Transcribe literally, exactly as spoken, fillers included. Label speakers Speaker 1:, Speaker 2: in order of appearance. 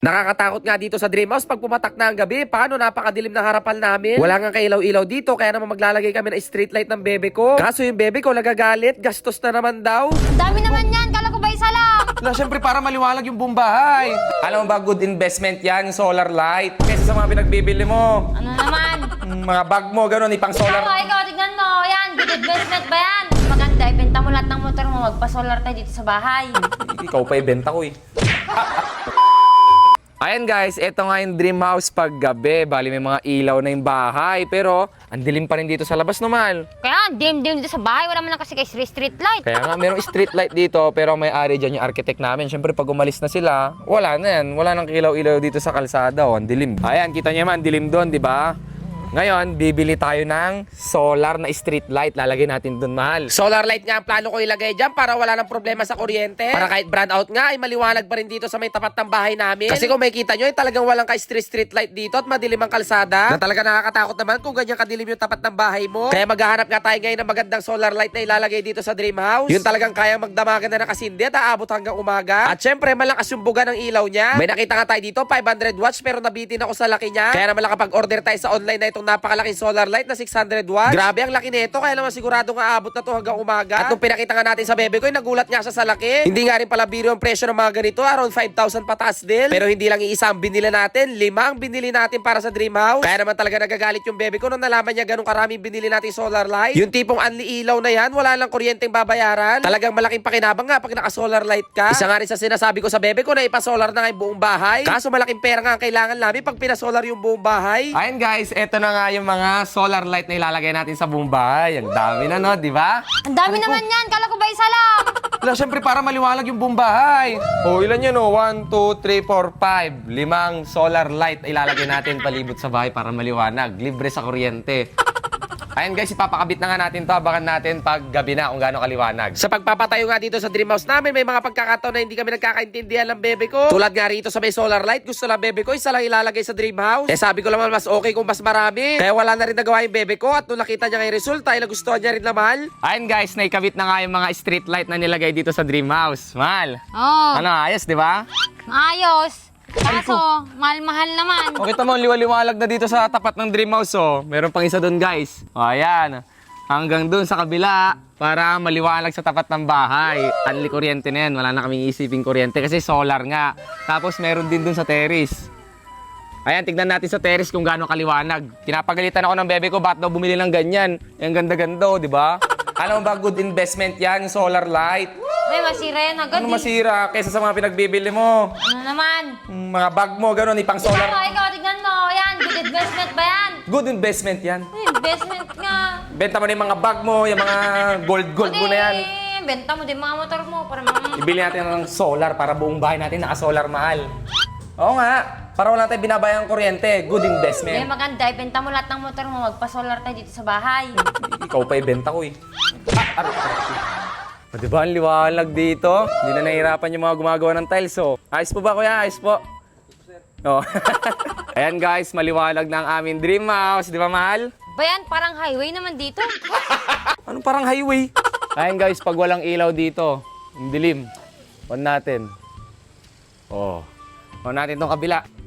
Speaker 1: Nakakatakot nga dito sa Dream House pag pumatak na ang gabi. Paano napakadilim ng harapan namin? Wala nga kailaw-ilaw dito kaya naman maglalagay kami ng street light ng bebe ko. Kaso yung bebe ko nagagalit, gastos na naman daw.
Speaker 2: Ang dami naman yan, kala ko ba isa lang?
Speaker 3: Na, syempre para maliwalag yung buong bahay. Alam mo ba, good investment yan, yung solar light. Kesa sa mga pinagbibili mo.
Speaker 2: Ano naman?
Speaker 3: Mm, Mga bag mo, gano'n, ipang
Speaker 2: Ikaw,
Speaker 3: solar.
Speaker 2: ikaw, tignan mo. Yan, good investment ba yan? Maganda, ibenta mo lahat ng motor mo, magpa-solar tayo dito sa bahay.
Speaker 3: Ikaw pa ibenta ko eh. Ayan guys, eto nga yung Dream House pag gabi. Bali may mga ilaw na yung bahay. Pero, ang dilim pa rin dito sa labas, no, Mal?
Speaker 2: Kaya, dim-dim dito sa bahay, wala man lang kasi kay street, street light.
Speaker 3: Kaya nga, merong street light dito, pero may ari dyan yung architect namin. Siyempre, pag umalis na sila, wala na yan. Wala nang kilaw-ilaw dito sa kalsada. O, ang dilim. Ayan, kita niyo man, dilim doon, di ba? Ngayon, bibili tayo ng solar na street light. Lalagay natin doon, Mahal.
Speaker 1: Solar light nga ang plano ko ilagay dyan para wala nang problema sa kuryente. Para kahit brand out nga ay maliwanag pa rin dito sa may tapat ng bahay namin. Kasi kung makikita nyo ay talagang walang ka-street street light dito at madilim ang kalsada. Na talaga nakakatakot naman kung ganyan kadilim yung tapat ng bahay mo. Kaya maghahanap nga tayo ngayon ng magandang solar light na ilalagay dito sa Dream House. Yun talagang kayang magdamagan na nakasindi at aabot hanggang umaga. At syempre malakas yung buga ng ilaw niya. May nakita nga tayo dito five hundred watts pero nabitin ako sa laki niya. Kaya naman nakapag-order tayo sa online na itong napakalaking solar light na six hundred watts. Grabe ang laki nito kaya naman sigurado nga aabot na to hanggang umaga. At nung pinakita nga natin sa bebe ko, ay nagulat nga siya sa laki. Hindi nga rin pala biro ang presyo ng mga ganito, around five thousand pataas din. Pero hindi lang iisa ang binili natin, lima ang binili natin para sa Dream House. Kaya naman talaga nagagalit yung bebe ko nung nalaman niya ganun karaming binili natin solar light. Yung tipong anli ilaw na yan, wala lang kuryenteng babayaran. Talagang malaking pakinabang nga pag naka-solar light ka. Isa nga rin sa sinasabi ko sa bebe ko na ipa-solar na nga yung buong bahay. Kaso malaking pera nga ang kailangan namin pag pina-solar yung buong bahay.
Speaker 3: Ayan guys, eto na nga yung mga solar light na ilalagay natin sa buong bahay. Ang dami na, no? Di ba?
Speaker 2: Ang dami naman yan, kala ko ba isa lang?
Speaker 3: Wala, syempre para maliwalag yung buong bahay. O, ilan yun, o? one, two, three, four, five. Limang solar light na ilalagay natin palibot sa bahay para maliwanag. Libre sa kuryente. Ayan guys, ipapakabit na nga natin to. Abangan natin pag gabi na kung gaano kaliwanag.
Speaker 1: Sa pagpapatayo nga dito sa Dream House namin, may mga pagkakataon na hindi kami nagkakaintindihan ng bebe ko. Tulad nga rito sa may solar light, gusto lang bebe ko, isa lang ilalagay sa Dream House. Eh sabi ko naman mas okay kung mas marami. Kaya wala na rin nagawa yung bebe ko at nung nakita niya nga yung resulta, ay nagustuhan niya rin na mahal.
Speaker 3: Ayan guys, naikabit na nga yung mga street light na nilagay dito sa Dream House. Mahal.
Speaker 2: Oo,
Speaker 3: Ano, ayos, di ba?
Speaker 2: ayos. Kaso, mahal-mahal naman.
Speaker 3: O, kita mo, liwaliwalag na dito sa tapat ng Dream House, oh. Meron pang isa doon, guys. O, ayan. Hanggang doon sa kabila para maliwalag sa tapat ng bahay. Anli kuryente na yan. Wala na kaming isiping kuryente kasi solar nga. Tapos meron din doon sa terrace. Ayan, tignan natin sa terrace kung gaano kaliwanag. Pinapagalitan ako ng bebe ko, bakit daw bumili ng ganyan? Yung ganda-ganda, di ba? Alam mo ba, good investment yan, yung solar light.
Speaker 2: May masira yan agad.
Speaker 3: Ano
Speaker 2: eh.
Speaker 3: masira kaysa sa mga pinagbibili mo?
Speaker 2: Ano naman?
Speaker 3: Mm, Mga bag mo, gano'n, ipang
Speaker 2: Ikaw,
Speaker 3: solar.
Speaker 2: ikaw, tignan mo. Yan, good investment ba yan?
Speaker 3: Good investment yan.
Speaker 2: Ay, investment nga.
Speaker 3: Benta mo na yung mga bag mo, yung mga gold-gold mo na yan.
Speaker 2: Adi, benta mo din mga motor mo para mga...
Speaker 3: Ibili natin ng solar para buong bahay natin naka-solar mahal. Oo nga, para wala tayong binabayang kuryente. Good
Speaker 2: May
Speaker 3: investment.
Speaker 2: maganda, ibenta mo lahat ng motor mo, magpa-solar tayo dito sa bahay.
Speaker 3: Ikaw pa ibenta ko eh. Ah, aray, aray. O, diba ang liwalag dito? Hindi na nahihirapan yung mga gumagawa ng tiles, oh. Ayos po ba, kuya? Ayos po. Oh. Ayan guys, maliwalag na ang aming Dream House. Di ba, mahal?
Speaker 2: Bayan, parang highway naman dito.
Speaker 3: Anong parang highway? Ayan guys, pag walang ilaw dito, ang dilim. On natin. Oh. On natin tong kabila.